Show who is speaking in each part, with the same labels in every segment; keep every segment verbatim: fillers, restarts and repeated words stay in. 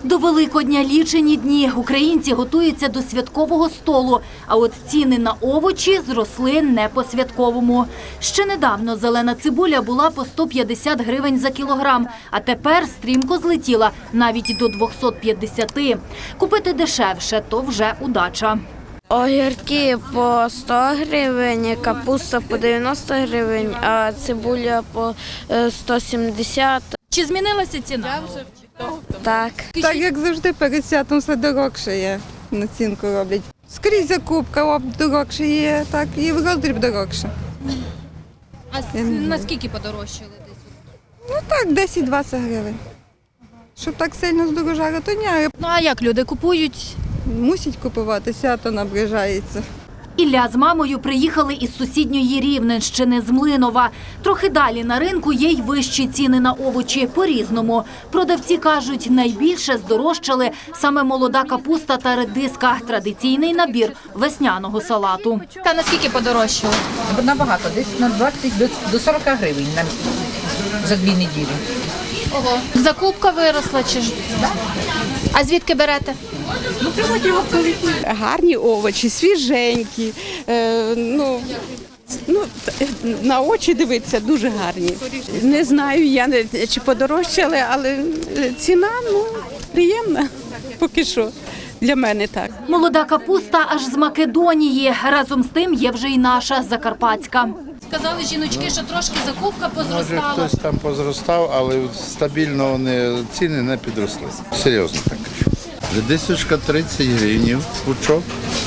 Speaker 1: До Великодня лічені дні. Українці готуються до святкового столу. А от ціни на овочі зросли не по-святковому. Ще недавно зелена цибуля була по сто п'ятдесят гривень за кілограм, а тепер стрімко злетіла навіть до двохсот п'ятдесяти. Купити дешевше – то вже удача.
Speaker 2: Огірки по сто гривень, капуста по дев'яносто гривень, а цибуля по сто сімдесят.
Speaker 1: Чи змінилася ціна?
Speaker 2: Так.
Speaker 3: Так, як завжди, перед святом все дорогше є, націнку роблять. Скрізь закупка дорогше є, так, і в роздріб дорогше.
Speaker 1: А наскільки подорожчали десь?
Speaker 3: Ну так, десять-двадцять гривень. Щоб так сильно здорожало, то ні,
Speaker 1: Ну а як люди купують?
Speaker 3: мусять купувати, свято наближається.
Speaker 1: Ілля з мамою приїхали із сусідньої Рівненщини, з Млинова. Трохи далі на ринку є й вищі ціни на овочі по-різному. Продавці кажуть, найбільше здорожчали саме молода капуста та редиска – традиційний набір весняного салату.
Speaker 4: Та наскільки подорожчало? Набагато, десь на двадцять до сорока гривень на, за дві неділі.
Speaker 1: Ого. Закупка виросла чи ж? А звідки берете?
Speaker 5: Гарні овочі, свіженькі, е, ну, ну, на очі дивитися дуже гарні. Не знаю, я не, чи подорожчали, але ціна ну, приємна поки що. Для мене так.
Speaker 1: Молода капуста аж з Македонії. Разом з тим є вже й наша, закарпатська. Сказали жіночки, що трошки закупка позростала.
Speaker 6: Може, хтось там позростав, але стабільно вони, ціни не підросли. Серйозно так кажу. Редисочка тридцять гривень пучок,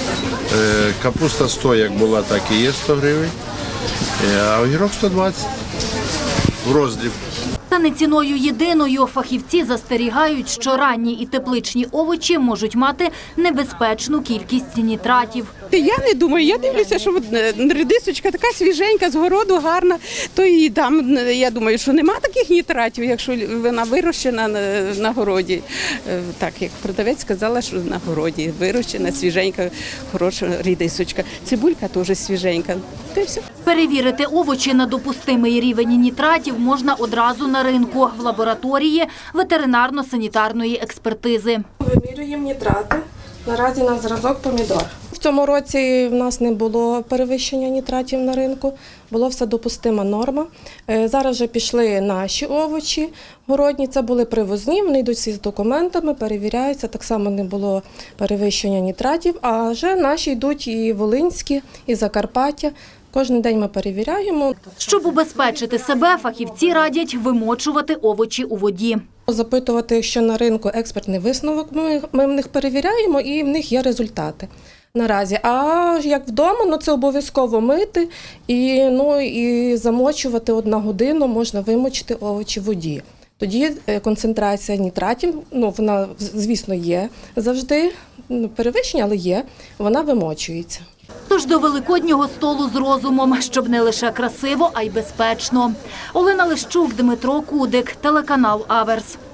Speaker 6: капуста сто, як була, так і є сто гривень, а огірок сто двадцять в роздріб.
Speaker 1: Та не ціною єдиною. Фахівці застерігають, що ранні і тепличні овочі можуть мати небезпечну кількість нітратів.
Speaker 5: Я не думаю, я дивлюся, що редисочка така свіженька, з городу гарна, то і там, я думаю, що нема таких нітратів, якщо вона вирощена на, на городі. Так, як продавець сказала, що на городі вирощена, свіженька, хороша редисочка. Цибулька теж свіженька. Та й все.
Speaker 1: Перевірити овочі на допустимий рівень нітратів можна одразу на ринку в лабораторії ветеринарно-санітарної експертизи.
Speaker 7: Вимірюємо нітрати. Наразі на зразок помідор. В цьому році в нас не було перевищення нітратів на ринку, була все допустима норма. Зараз вже пішли наші овочі городні, це були привозні, вони йдуть всі з документами, перевіряються, так само не було перевищення нітратів, а вже наші йдуть і волинські, і Закарпаття. Кожен день ми перевіряємо.
Speaker 1: Щоб убезпечити себе, фахівці радять вимочувати овочі у воді.
Speaker 7: Запитувати, що на ринку експертний висновок, ми, ми в них перевіряємо і в них є результати наразі. А як вдома, ну це обов'язково мити і, ну, і замочувати одну годину, можна вимочити овочі в воді. Тоді концентрація нітратів, ну вона, звісно, є завжди, ну, перевищення, але є, вона вимочується.
Speaker 1: Тож до великоднього столу з розумом, щоб не лише красиво, а й безпечно. Олена Лищук, Дмитро Кудик, телеканал Аверс.